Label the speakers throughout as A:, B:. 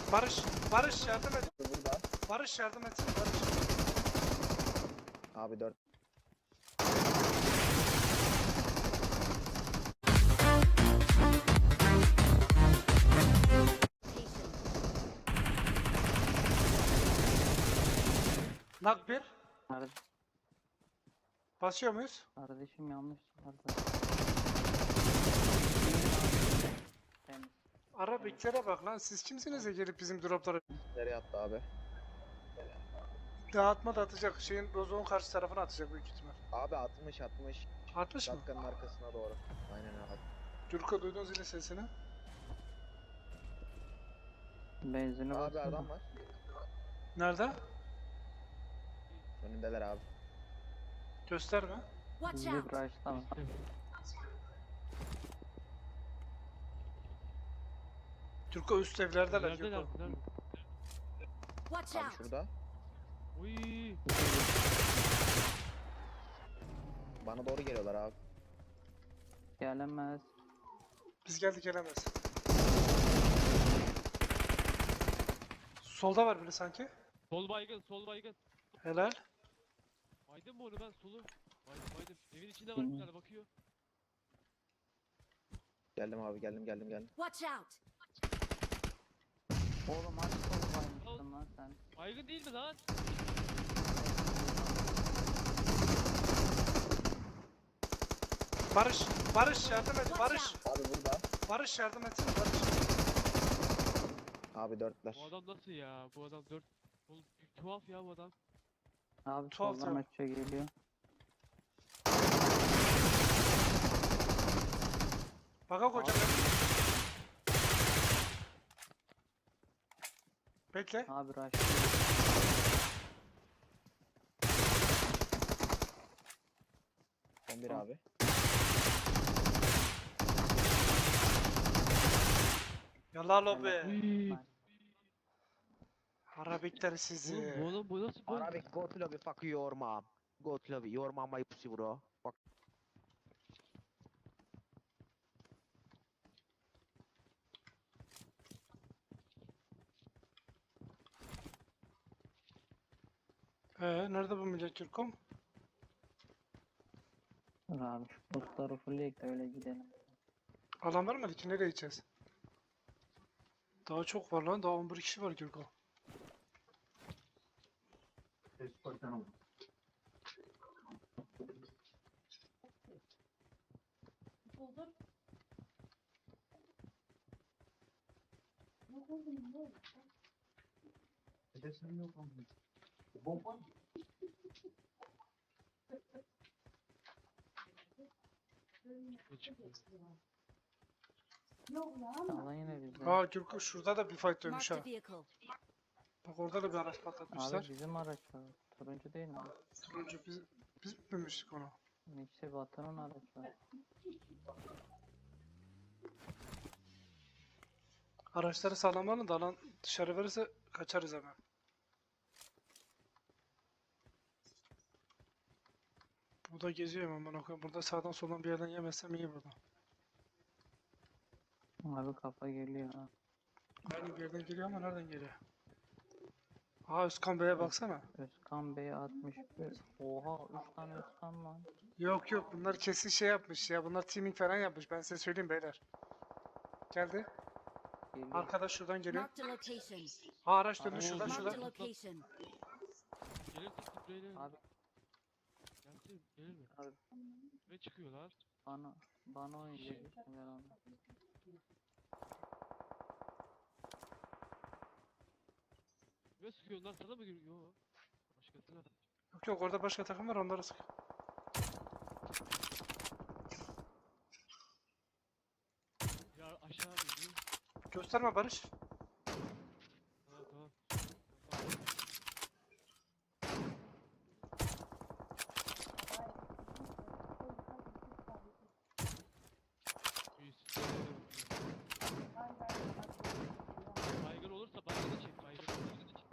A: Barış, Barış yardım et.
B: Burada.
A: Barış yardım et. Barış.
B: Abi 4.
A: Nak bir.
C: Kardeş,
A: Basıyor muyuz?
C: kardeşim yanlış çıkardı. Temiz.
A: Arabiklere bak lan. Siz kimsiniz de gelip bizim dropları
B: Nereye attı abi?
A: dağıtma da atacak. Şeyin Rozok'un karşı tarafına atacak büyük ihtimal.
B: Abi 60 60.
A: Atmış mı?
B: Şapkanın arkasına doğru. Aynen abi.
A: Gürko duydun zilin sesini.
C: Benzini
B: Abi
C: basın.
B: adam var.
A: Nerede?
B: Önündeler abi.
A: Gösterme.
D: Watch
C: Bizi
D: out!
C: bıraşlama.
A: Gürko üst evlerdeler
E: Neredeler?
A: Gürko.
E: Nerede?
D: Watch
B: Abi
D: out!
B: şurada.
E: Uy.
B: Bana doğru geliyorlar abi.
C: Gelemez.
A: Biz geldik gelemez. Solda var biri sanki.
E: Sol baygın, sol baygın.
A: Helal.
E: Baydım mı onu ben solu? Baydım. Evin içinde var bir tane bakıyor.
B: Geldim abi geldim.
D: Watch out!
C: Oğlum aç kolu baymıştın lan sen.
E: Baygın değil mi lan?
A: Barış, Barış yardım et. Barış,
B: Abi burada.
A: Barış yardım et. Barış.
B: Abi 4'ler.
E: Bu adam nasıl ya? Bu adam 4. Oğlum tuhaf ya bu adam.
C: Abi
A: Tuhaf
C: soldan
A: ya.
C: açıyor geliyor.
A: Baka hocam. Bekle.
C: Abi rush.
B: Son bir abi.
A: Yallah lobi.
E: Uy.
A: Arabikler
E: Oğlum
A: sizi.
E: bu adam bu nasıl bu?
B: Arabic go to lobby fuck your mom. Go to lobby. Your mom my pussy bro. Fuck.
A: Nerede bu millet Türkom?
C: Dur abi şu postları fullleyek de öyle gidelim.
A: Alan vermedi ki nereye gideceğiz? Daha çok var lan. Daha 11 kişi var Gürko.
C: Alan yine bizde.
A: Aa Gürko şurada da bir fight dönmüş
D: Marked
A: ha.
D: a vehicle.
A: Bak orada da bir araç patlatmışlar.
C: Abi bizim araç var. Turuncu değil mi?
A: Turuncu biz mi binmiştik onu?
C: İşte Batı'nın aracı var.
A: Araçları sağlamanın da alan dışarı verirse kaçarız hemen. Bu da geziyor hemen bana koyayım. Burada sağdan soldan bir yerden yemezsem iyi burada.
C: Abi kafa geliyor ha.
A: Aynı bir yerden geliyor ama nereden geliyor? Aa Özkan Bey'e baksana.
C: Özkan Bey 61. Oha 3 tane Özkan lan.
A: Yok yok bunlar kesin şey yapmış ya. Bunlar teaming falan yapmış. Ben size söyleyeyim beyler. Geldi.
C: Geliyor.
A: Arkadaş şuradan geliyor.
D: Marked a location.
A: Ha araç döndü
C: Abi,
A: şuradan
D: Marked a
A: şuradan.
D: location.
E: Gelir spreyler.
C: Abi
E: Gelsin gelir mi?
C: Abi.
E: Ve çıkıyorlar.
C: bana oynayacak ben onu.
E: Ve sıkıyorlar sana mı giriyor? Yo. Başkasına.
A: Yok yok orada başka takım var onları sık.
E: Ya aşağı iniyor.
A: Gösterme Barış.
E: Tamam tamam. Bir spreyler bakıyor. Baygın olursa baygını çek. Baygın olursa çek.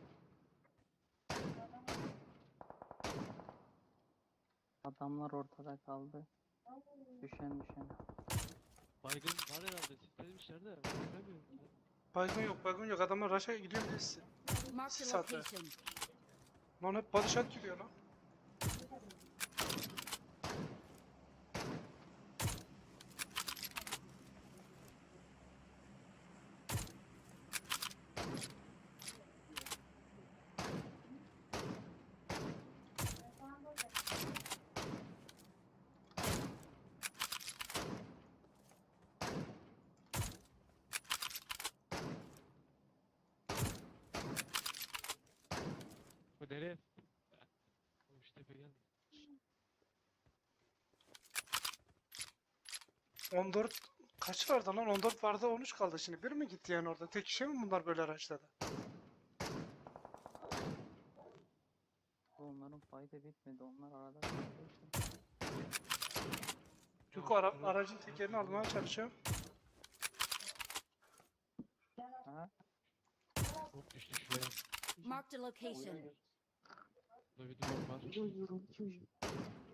C: Adamlar ortada kaldı. Düşen.
E: Baygın var herhalde. Sitelemişler de. Ben göremiyorum.
A: Baygın yok. Adamlar rush'a gidiyor birisi.
D: Marked a
A: Sat be.
D: location.
A: Lan hep body shot gidiyor lan.
E: Bu nereye? Oğlum şu tepe geldi.
A: 14 kaç vardı lan? 14 vardı 13 kaldı şimdi. Bir mi gitti yani orada? Tek kişi mi bunlar böyle araçladı?
C: Onların fayda bitmedi. Onlar arada kaldığı için.
A: Çünkü aracın tekerini almaya çalışıyorum.
C: Ha?
E: Çok düştü şuraya.
D: Marked a location.
E: Burada bir duvar var.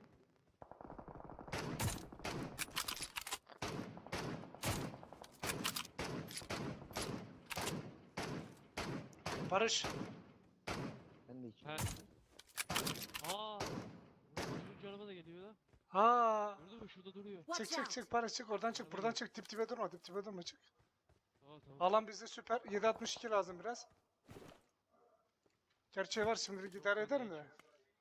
A: Barış.
B: Ben de hiç.
E: He. Aa. Üçüncü araba da geliyor lan.
A: Ha.
E: Gördün mü? Şurada duruyor.
A: Çık
D: Watch
A: çık
D: out.
A: çık Barış çık oradan çık buradan çık dip dibe durma dip dibe durma çık.
E: Tamam tamam.
A: Alan bizde süper 7.62 lazım biraz. Gerçeği var şimdilik idare ederim de.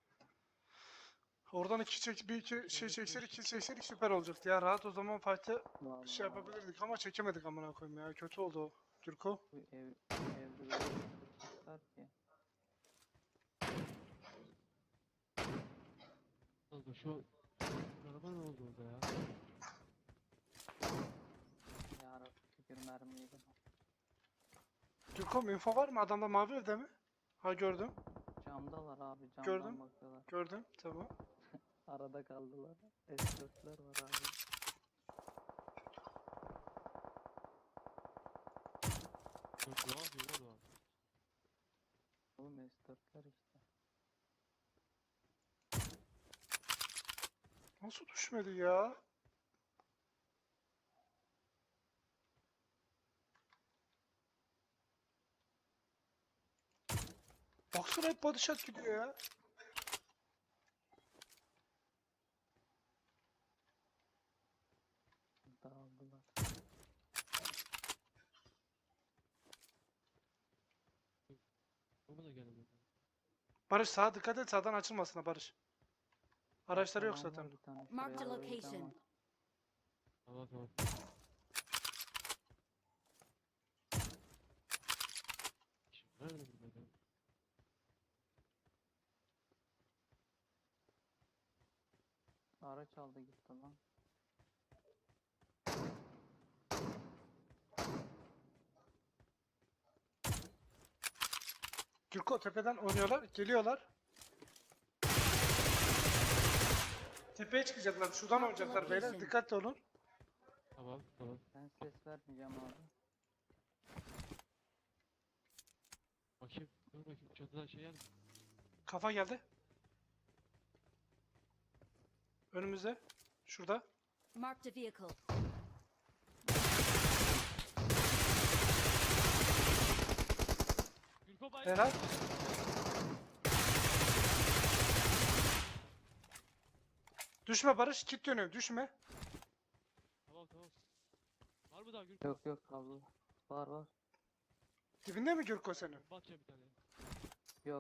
A: Oradan bir iki şey çekseydik iki çekseydik süper olacaktı ya rahat o zaman fight'ı
C: Vallahi
A: şey yapabilirdik ama çekemedik amına koyayım ya kötü oldu o. Türko.
C: bu evde böyle çıkar ki.
E: Kanka şu araba ne oldu orada ya?
C: Yarın tükür mermiyi de.
A: Türko info var mı adamda mavi evde mi? Ha gördüm
C: Camdalar abi camdan
A: Gördüm.
C: bakıyorlar.
A: gördüm tamam.
C: Arada kaldılar. S4'ler var abi.
E: Yok ne yapıyor lan o?
C: Oğlum S4'ler işte.
A: Nasıl düşmedi ya? Baksana hep body shot gidiyor ya.
C: Dağıldılar.
E: O da gelmedi.
A: Barış sağa dikkat et sağdan açılmasın ha Barış. Araçları yok
C: Arkadan var
A: zaten.
C: bir tane,
D: Marked
C: şuraya
D: a
C: doğru giden
D: location.
C: var.
E: Tamam tamam. Şimdi nerede burada?
C: Araç aldı gitti lan.
A: Türko tepeden oynuyorlar, geliyorlar. Tepeye çıkacaklar, şuradan oynayacaklar beyler. Dikkatli olun.
E: Tamam tamam.
C: Ben ses vermeyeceğim abi.
E: Bakayım. Dur bakayım. Çatıdan şey geldi.
A: Kafa geldi. Önümüzde. Şurada.
D: Marked a vehicle.
E: Gülko bay.
A: Helal. Düşme Barış, kit dönüyor. Düşme.
E: Tamam tamam. Var mı daha Gülko?
C: Yok kaldı. Var.
A: Dibinde mi Gürko senin?
E: Bomba atacağım bir tane.
C: Yok.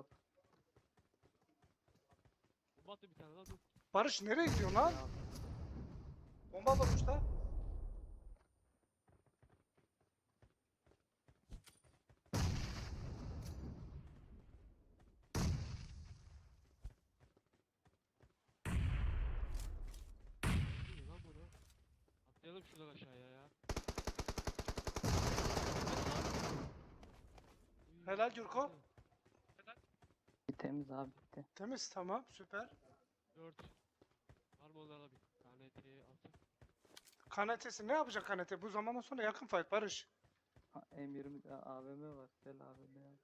E: Bomba attı bir tane lan dur.
A: Barış nereye gidiyorsun lan?
C: Ya,
A: Bomba atmış da.
E: Dur lan bunu. Atlayalım şuradan aşağıya ya.
A: Helal Gürko.
C: temiz abi bitti.
A: Temiz, tamam, süper.
E: 4. Var mı onlarla bir tane T'ye attık.
A: Kanatesi ne yapacak kanete? Bu zamandan sonra yakın fight Barış.
C: Ha, M20 AVM var. Gel AVM al.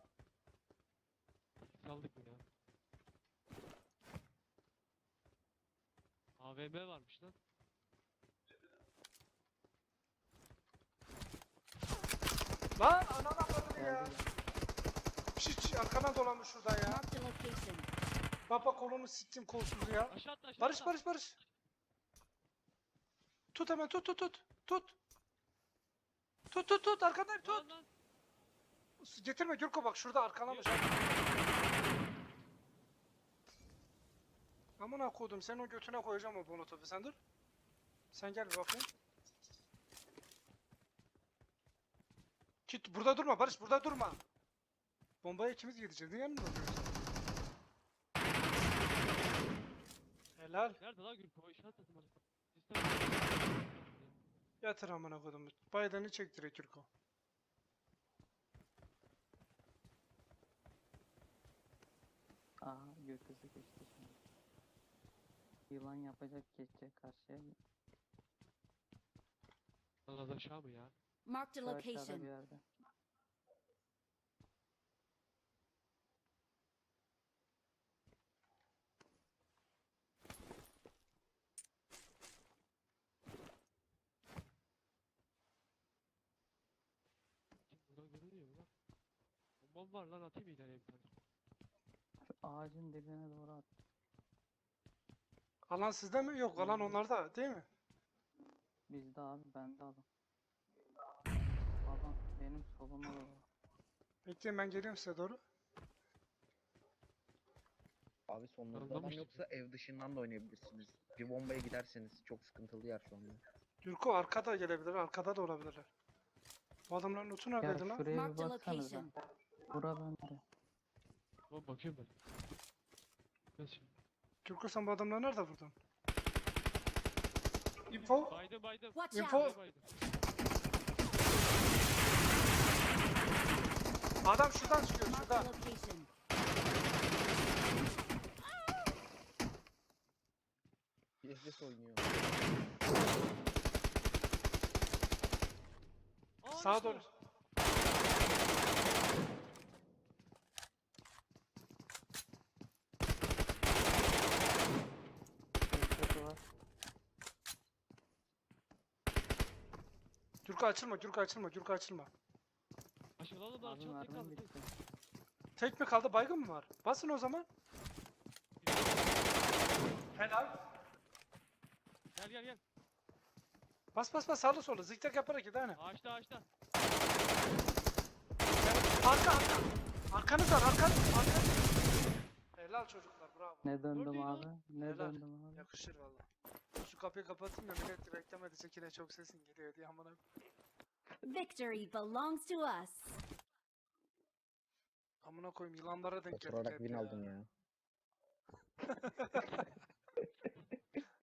E: Saldık mı ya? AVM varmış lan.
A: Lan anana bakın ya.
C: Geldi.
A: Şiş arkadan dolanmış şuradan ya.
D: Marked a location.
A: Baba kolunu sittim kolsuz ya.
E: Aşağı atla aşağı
A: Barış
E: atla.
A: Barış Barış. Tut hemen tut tut tut. Tut. Tut arkandayım tut.
E: Lan lan.
A: Getirme Gürko bak şurada arkalamış. Amına koydum sen o götüne koyacağım o molotofu sen dur. Sen gel bir bakayım. Git burada durma Barış burada durma. Bombaya ikimiz gideceğiz. Niye yanımda duruyorsun? Helal.
E: Nerede lan Gürko? İşaret atın bana.
A: Yatır amına koydum. Biden'ı çek direkt Gürko.
C: Aha gökyüzü geçti şimdi. Yılan yapacak geçecek karşıya.
E: Lan az aşağı mı ya?
D: Marked a
C: Şu aşağıda bir
D: location.
C: yerde.
E: Buradan görünüyor mu lan? Bombam var lan atayım ileriye bir tane.
C: Şu ağacın dibine doğru at.
A: Alan sizde mi? Yok alan onlarda değil mi?
C: Bizde abi bende adam. Adam benim soluma doğru.
A: Bekleyin ben geliyorum size doğru.
B: Abi sonunda adam
E: Anlamıştım.
B: yoksa ev dışından da oynayabilirsiniz. Bir bombaya giderseniz çok sıkıntılı yer şu anda.
A: Gürko arkada gelebilir, arkada da olabilirler. Bu adamların notu
C: Ya
A: neredeydi lan?
C: şuraya bir
D: Marked a
C: baksanıza.
D: location.
C: Bura bende.
E: Tamam bakıyorum ben. Gel şimdi.
A: Gürko sen bu adamları nerede vurdun? Info.
E: Baydım.
D: Watch
A: Info.
D: out.
E: Baydım.
A: Adam şuradan çıkıyor
D: Marked
A: şuradan.
D: a location.
B: PSS oynuyor.
E: Aa,
A: Sağa
E: işte.
A: doğru.
C: Gökyüzü var.
A: Gürko açılma, Gürko açılma, Gürko açılma.
E: Aşağıdan da
C: Abi
E: aşağı tek
C: mermim
E: kaldı.
C: bitti.
A: Tek mi kaldı, baygın mı var? Basın o zaman. Helal.
E: Gel.
A: Bas sağlı sola, zikzak yaparak git hani.
E: Ağaçta.
A: Arka. Arkanız var, arkanız. Helal çocuklar, bravo.
C: Ne döndüm
E: Gördün
C: abi?
E: lan.
C: Ne
A: Helal.
C: döndüm abi?
A: Yakışır valla. Şu kapıyı kapatayım da millet beklemedi yine çok sesin geliyor diye amına.
D: Victory belongs to us.
A: Amına koyayım yılanlara denk geldik
B: Oturarak
A: hep
B: win
A: ya.
B: aldın ya.